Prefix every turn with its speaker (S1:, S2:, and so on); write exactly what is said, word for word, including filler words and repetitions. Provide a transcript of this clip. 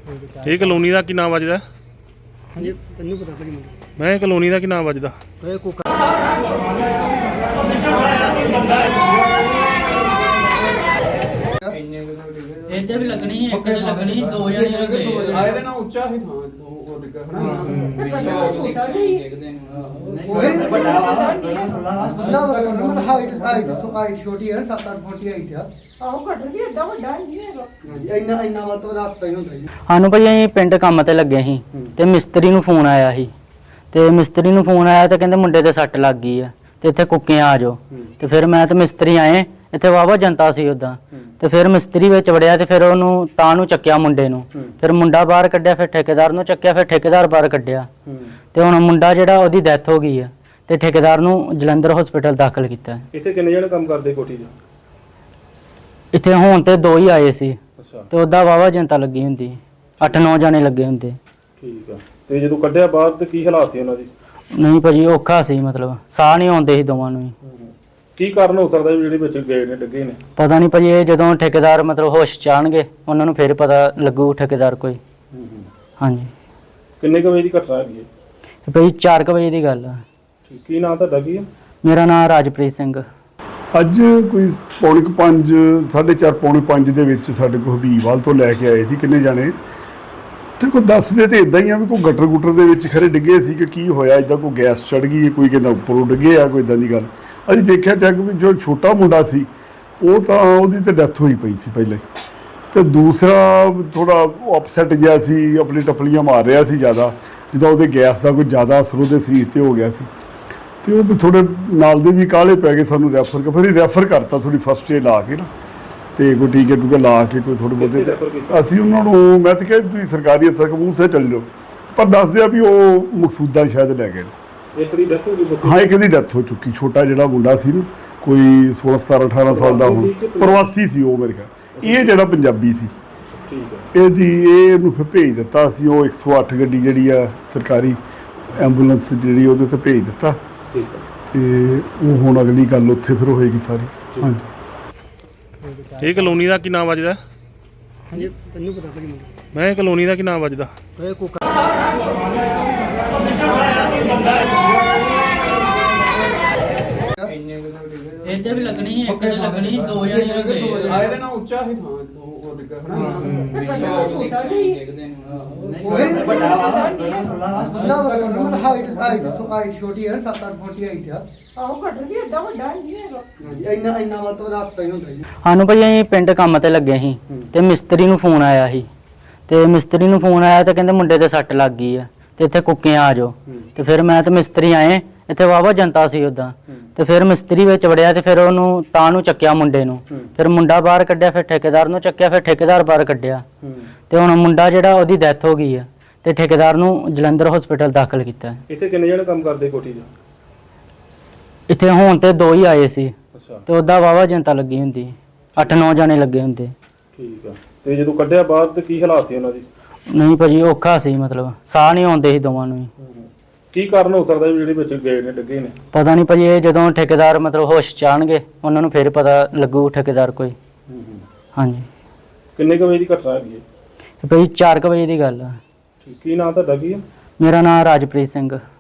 S1: ਇਹ ਕਲੋਨੀ ਦਾ ਕੀ ਨਾਮ ਵੱਜਦਾ?
S2: ਹਾਂਜੀ ਤੈਨੂੰ ਪਤਾ ਭਾਜੀ ਮੈਨੂੰ
S1: ਮੈਂ ਕਲੋਨੀ ਦਾ ਕੀ ਨਾਮ ਵੱਜਦਾ?
S2: ਇਹ ਕੋਕਾ
S3: ਇੱਥੇ ਵੀ ਲੱਗਣੀ ਇੱਕ ਤੇ ਲੱਗਣੀ ਦੋ ਜਣੇ ਲੱਗੇ
S4: ਆਏ ਦੇ ਨਾ ਉੱਚਾ ਹੀ ਥਾਂ ਉਹ ਡਿੱਗਾ ਹਨਾ
S2: ਛੋਟਾ ਜਿਹਾ ਓਏ ਵੱਡਾ ਮਤਲਬ ਹਾਈਟ ਹਾਈਟ ਹਾਈਟ ਛੋਟੀ ਹੈ ਸੱਤ ਅੱਠ ਫੁੱਟ ਹਾਈਟ ਆ
S5: ਆਹੋ ਕਟਰ ਵੀ ਏਡਾ ਵੱਡਾ ਨਹੀਂ ਹੈਗਾ।
S2: ਹਾਂਜੀ ਇੰਨਾ ਇੰਨਾ ਵੱਧ ਤੋਂ ਵੱਧ ਹੱਥ ਪਈ ਹੁੰਦਾ ਜੀ।
S3: ਸਾਨੂੰ ਭਾਈ ਅਸੀਂ ਪਿੰਡ ਕੰਮ ਤੇ ਲੱਗੇ ਸੀ ਤੇ ਮਿਸਤਰੀ ਨੂੰ ਫੋਨ ਆਇਆ ਸੀ ਤੇ ਮਿਸਤਰੀ ਨੂੰ ਫੋਨ ਆਇਆ ਤੇ ਕਹਿੰਦੇ ਮੁੰਡੇ ਤੇ ਸੱਟ ਲੱਗ ਗਈ ਆ ਤੇ ਇੱਥੇ ਕੁੱਕੇ ਆ ਜਾਓ ਤੇ ਫਿਰ ਮੈਂ ਤੇ ਮਿਸਤਰੀ ਆਏ ਇੱਥੇ ਵਾਵਾ ਜਨਤਾ ਸੀ ਉਦਾਂ ਤੇ ਫਿਰ ਮਿਸਤਰੀ ਵਿੱਚ ਵੜਿਆ ਤੇ ਫਿਰ ਉਹਨੂੰ ਤਾਂ ਨੂੰ ਚੱਕਿਆ ਮੁੰਡੇ ਨੂੰ ਫਿਰ ਮੁੰਡਾ ਬਾਹਰ ਕੱਢਿਆ ਫਿਰ ਠੇਕੇਦਾਰ ਨੂੰ ਚੱਕਿਆ ਫਿਰ ਠੇਕੇਦਾਰ ਬਾਹਰ ਕੱਢਿਆ ਤੇ ਹੁਣ ਮੁੰਡਾ ਜਿਹੜਾ ਉਹਦੀ ਡੈਥ ਹੋ ਗਈ ਆ ਤੇ ਠੇਕੇਦਾਰ ਨੂੰ ਜਲੰਧਰ ਹਸਪੀਟਲ ਦਾਖਲ ਕੀਤਾ।
S1: ਇੱਥੇ ਕਿੰਨੇ ਜਣੇ ਕੰਮ ਕਰਦੇ ਕੋਠੀ 'ਚ?
S3: ਇੱਥੇ ਹੁਣ ਤੇ ਦੋ ਹੀ ਆਏ ਸੀ
S1: ਅੱਛਾ
S3: ਤੇ ਉਹਦਾ ਵਾਵਾ ਜਨਤਾ ਲੱਗੀ ਹੁੰਦੀ ਅੱਠ ਨੌ ਜਣੇ ਲੱਗੇ ਹੁੰਦੇ।
S1: ਠੀਕ ਆ। ਤੇ ਜਦੋਂ ਕੱਢਿਆ ਬਾਹਰ ਤੇ ਕੀ ਹਾਲਾਤ ਸੀ ਉਹਨਾਂ ਦੀ?
S3: ਨਹੀਂ ਭਾਜੀ ਔਖਾ ਸੀ ਮਤਲਬ ਸਾਹ ਨਹੀਂ ਆਉਂਦੇ ਸੀ ਦੋਵਾਂ ਨੂੰ ਹੀ।
S1: ਕੀ ਕਾਰਨ ਹੋ ਸਕਦਾ ਵੀ ਜਿਹੜੇ ਵਿੱਚ ਗਏ ਨੇ ਡਿੱਗੇ ਨੇ?
S3: ਪਤਾ ਨਹੀਂ ਭਾਜੀ ਇਹ ਜਦੋਂ ਠੇਕੇਦਾਰ ਮਤਲਬ ਹੋਸ਼ ਚ ਆਉਣਗੇ ਉਹਨਾਂ ਨੂੰ ਫਿਰ ਪਤਾ ਲੱਗੂ ਠੇਕੇਦਾਰ ਕੋਈ। ਹਾਂਜੀ
S1: ਕਿੰਨੇ ਕੁ ਵਜੇ ਦੀ ਘਟਨਾ ਹੈਗੀ ਹੈ?
S3: ਤੇ ਭਾਜੀ ਚਾਰ ਕੁ ਵਜੇ ਦੀ ਗੱਲ ਆ।
S1: ਠੀਕ। ਕੀ ਨਾਮ ਤੁਹਾਡਾ ਕੀ ਹੈ?
S3: ਮੇਰਾ ਨਾਮ ਰਾਜਪ੍ਰੀਤ ਸਿੰਘ।
S6: ਅੱਜ ਕੋਈ ਪੌਣੇ ਕੁ ਪੰਜ ਸਾਢੇ ਚਾਰ ਪੌਣੇ ਪੰਜ ਦੇ ਵਿੱਚ ਸਾਡੇ ਕੋਲ ਹਬੀਬਵਾਲ ਤੋਂ ਲੈ ਕੇ ਆਏ ਸੀ ਕਿੰਨੇ ਜਾਣੇ ਤੇ ਕੋਈ ਦੱਸਦੇ ਤੇ ਇਦਾਂ ਹੀ ਆ ਵੀ ਕੋਈ ਗਟਰ ਗੁਟਰ ਦੇ ਵਿੱਚ ਖਰੇ ਡਿੱਗੇ ਸੀ ਕਿ ਕੀ ਹੋਇਆ ਇੱਦਾਂ ਕੋਈ ਗੈਸ ਚੜ ਗਈ ਕੋਈ ਕਹਿੰਦਾ ਉੱਪਰੋਂ ਡਿੱਗੇ ਆ ਕੋਈ ਇੱਦਾਂ ਦੀ ਗੱਲ। ਅਸੀਂ ਦੇਖਿਆ ਚੈੱਕ ਵੀ ਜੋ ਛੋਟਾ ਮੁੰਡਾ ਸੀ ਉਹ ਤਾਂ ਉਹਦੀ ਤਾਂ ਡੈਥ ਹੋਈ ਪਈ ਸੀ ਪਹਿਲਾਂ ਹੀ ਤੇ ਦੂਸਰਾ ਥੋੜਾ ਅਪਸੈਟ ਗਿਆ ਸੀ ਆਪਣੀ ਟੱਪਲੀਆਂ ਮਾਰ ਰਿਹਾ ਸੀ ਜ਼ਿਆਦਾ ਜਿੱਦਾਂ ਉਹਦੇ ਗੈਸ ਦਾ ਕੋਈ ਜ਼ਿਆਦਾ ਅਸਰ ਉਹਦੇ ਸਰੀਰ 'ਤੇ ਹੋ ਗਿਆ ਸੀ ਤੇ ਉਹ ਥੋੜੇ ਨਾਲ ਦੇ ਵੀ ਕਾਹਲੇ ਪੈ ਗਏ ਸਾਨੂੰ ਰੈਫਰ ਕਰ ਫਿਰ ਰੈਫਰ ਕਰਤਾ ਥੋੜੀ ਫਸਟ ਏਡ ਲਾ ਕੇ ਨਾ ਤੇ ਕੋਈ ਟੀਕੇ ਟੂਕੇ ਲਾ ਕੇ ਕੋਈ ਥੋੜੇ ਬਹੁਤੇ ਅਸੀਂ ਉਹਨਾਂ ਨੂੰ ਮੈਂ ਤਾਂ ਕਿਹਾ ਤੁਸੀਂ ਸਰਕਾਰੀ ਅਫਸਰ ਕਬੂਲ ਚੱਲ ਜਾਓ ਪਰ ਦੱਸਦੇ ਆ ਵੀ ਉਹ ਮਕਸੂਦਾ ਸ਼ਾਇਦ ਲੈ ਗਏ।
S1: ਇੱਕ ਦੀ ਡੈਥ ਹੋ ਗਈ?
S6: ਹਾਂ ਇੱਕ ਦੀ ਡੈਥ ਹੋ ਚੁੱਕੀ। ਛੋਟਾ ਜਿਹੜਾ ਮੁੰਡਾ ਸੀ ਨਾ ਕੋਈ ਸੋਲਾਂ ਸਤਾਰਾਂ ਅਠਾਰਾਂ ਸਾਲ ਦਾ ਹੁਣ ਪ੍ਰਵਾਸੀ ਸੀ ਉਹ ਮੇਰੇ ਖਿਆਲ। ਇਹ ਜਿਹੜਾ ਪੰਜਾਬੀ ਸੀ
S1: ਠੀਕ ਹੈ
S6: ਇਹਦੀ ਇਹ ਇਹਨੂੰ ਫਿਰ ਭੇਜ ਦਿੱਤਾ ਸੀ ਉਹ ਇੱਕ ਸੌ ਅੱਠ ਗੱਡੀ ਜਿਹੜੀ ਆ ਸਰਕਾਰੀ ਐਂਬੂਲੈਂਸ ਜਿਹੜੀ ਉਹਦੇ ਤੇ ਭੇਜ ਦਿੱਤਾ
S1: ਠੀਕ ਹੈ
S6: ਤੇ ਉਹ ਹੁਣ ਅਗਲੀ ਗੱਲ ਉੱਥੇ ਫਿਰ ਹੋਏਗੀ ਸਾਰੀ। ਹਾਂਜੀ
S1: ਇਹ ਕਲੋਨੀ ਦਾ ਕੀ ਨਾਮ ਵੱਜਦਾ?
S2: ਹਾਂਜੀ ਤੈਨੂੰ ਪਤਾ ਭਾਜੀ ਮੈਨੂੰ
S1: ਮੈਂ ਕਲੋਨੀ ਦਾ ਕੀ ਨਾਮ ਵੱਜਦਾ?
S2: ਇਹ ਕੋਕਾ
S3: ਇੱਥੇ ਵੀ ਲੱਗਣੀ ਇੱਕ ਤੇ ਲੱਗਣੀ ਦੋ ਜਣੇ ਲੱਗੇ
S4: ਆਏ ਦੇ ਨਾ ਉੱਚਾ ਹੀ ਥਾਂ ਉਹ ਡਿੱਗਾ ਹਨਾ
S5: ਛੋਟਾ ਜਿਹਾ
S2: ਓਏ ਮਤਲਬ ਹਾਈਟ ਹਾਈਟ ਹਾਈਟ ਛੋਟੀ ਹੈ ਸੱਤ ਅੱਠ ਫੁੱਟ ਹਾਈਟ ਆ
S5: ਆਹੋ ਕਟਰ ਵੀ ਏਡਾ ਵੱਡਾ ਨਹੀਂ ਹੈਗਾ।
S2: ਹਾਂਜੀ ਇੰਨਾ ਇੰਨਾ ਵੱਧ ਤੋਂ ਵੱਧ ਹੱਥ ਪਈ ਹੁੰਦਾ ਜੀ।
S3: ਸਾਨੂੰ ਭਾਈ ਅਸੀਂ ਪਿੰਡ ਕੰਮ ਤੇ ਲੱਗੇ ਸੀ ਤੇ ਮਿਸਤਰੀ ਨੂੰ ਫੋਨ ਆਇਆ ਸੀ ਤੇ ਮਿਸਤਰੀ ਨੂੰ ਫੋਨ ਆਇਆ ਤੇ ਕਹਿੰਦੇ ਮੁੰਡੇ ਤੇ ਸੱਟ ਲੱਗ ਗਈ ਆ ਤੇ ਇੱਥੇ ਕੁੱਕੇ ਆ ਜਾਓ ਤੇ ਫਿਰ ਮੈਂ ਤੇ ਮਿਸਤਰੀ ਆਏ ਇੱਥੇ ਵਾਵਾ ਜਨਤਾ ਸੀ ਉਦਾਂ ਤੇ ਫਿਰ ਮਿਸਤਰੀ ਵਿੱਚ ਵੜਿਆ ਤੇ ਫਿਰ ਉਹਨੂੰ ਤਾਂ ਨੂੰ ਚੱਕਿਆ ਮੁੰਡੇ ਨੂੰ ਫਿਰ ਮੁੰਡਾ ਬਾਹਰ ਕੱਢਿਆ ਫਿਰ ਠੇਕੇਦਾਰ ਨੂੰ ਚੱਕਿਆ ਫਿਰ ਠੇਕੇਦਾਰ ਬਾਹਰ ਕੱਢਿਆ ਤੇ ਹੁਣ ਮੁੰਡਾ ਜਿਹੜਾ ਉਹਦੀ ਡੈਥ ਹੋ ਗਈ ਆ ਤੇ ਠੇਕੇਦਾਰ ਨੂੰ ਜਲੰਧਰ ਹਸਪੀਟਲ ਦਾਖਲ ਕੀਤਾ।
S1: ਇੱਥੇ ਕਿੰਨੇ ਜਣੇ ਕੰਮ ਕਰਦੇ ਕੋਠੀ 'ਚ?
S3: ਇੱਥੇ ਹੁਣ ਤੇ ਦੋ ਹੀ ਆਏ ਸੀ
S1: ਅੱਛਾ
S3: ਤੇ ਉਹਦਾ ਵਾਵਾ ਜਨਤਾ ਲੱਗੀ ਹੁੰਦੀ ਅੱਠ ਨੌ ਜਣੇ ਲੱਗੇ ਹੁੰਦੇ।
S1: ਠੀਕ ਆ। ਤੇ ਜਦੋਂ ਕੱਢਿਆ ਬਾਹਰ ਤੇ ਕੀ ਹਾਲਾਤ ਸੀ ਉਹਨਾਂ ਦੀ?
S3: ਨਹੀਂ ਭਾਜੀ ਔਖਾ ਸੀ ਮਤਲਬ ਸਾਹ ਨਹੀਂ ਆਉਂਦੇ ਸੀ ਦੋਵਾਂ ਨੂੰ ਹੀ।
S1: ਕੀ ਕਾਰਨ ਹੋ ਸਕਦਾ ਵੀ ਜਿਹੜੇ ਵਿੱਚ ਗਏ ਨੇ ਡਿੱਗੇ ਨੇ?
S3: ਪਤਾ ਨਹੀਂ ਭਾਜੀ ਇਹ ਜਦੋਂ ਠੇਕੇਦਾਰ ਮਤਲਬ ਹੋਸ਼ ਚ ਆਉਣਗੇ ਉਹਨਾਂ ਨੂੰ ਫਿਰ ਪਤਾ ਲੱਗੂ ਠੇਕੇਦਾਰ ਕੋਈ। ਹਾਂਜੀ
S1: ਕਿੰਨੇ ਕੁ ਵਜੇ ਦੀ ਘਟਨਾ ਹੈਗੀ ਹੈ?
S3: ਤੇ ਭਾਜੀ ਚਾਰ ਕੁ ਵਜੇ ਦੀ ਗੱਲ ਆ।
S1: ਠੀਕ। ਕੀ ਨਾਮ ਤੁਹਾਡਾ ਕੀ ਹੈ?
S3: ਮੇਰਾ ਨਾਮ ਰਾਜਪ੍ਰੀਤ ਸਿੰਘ।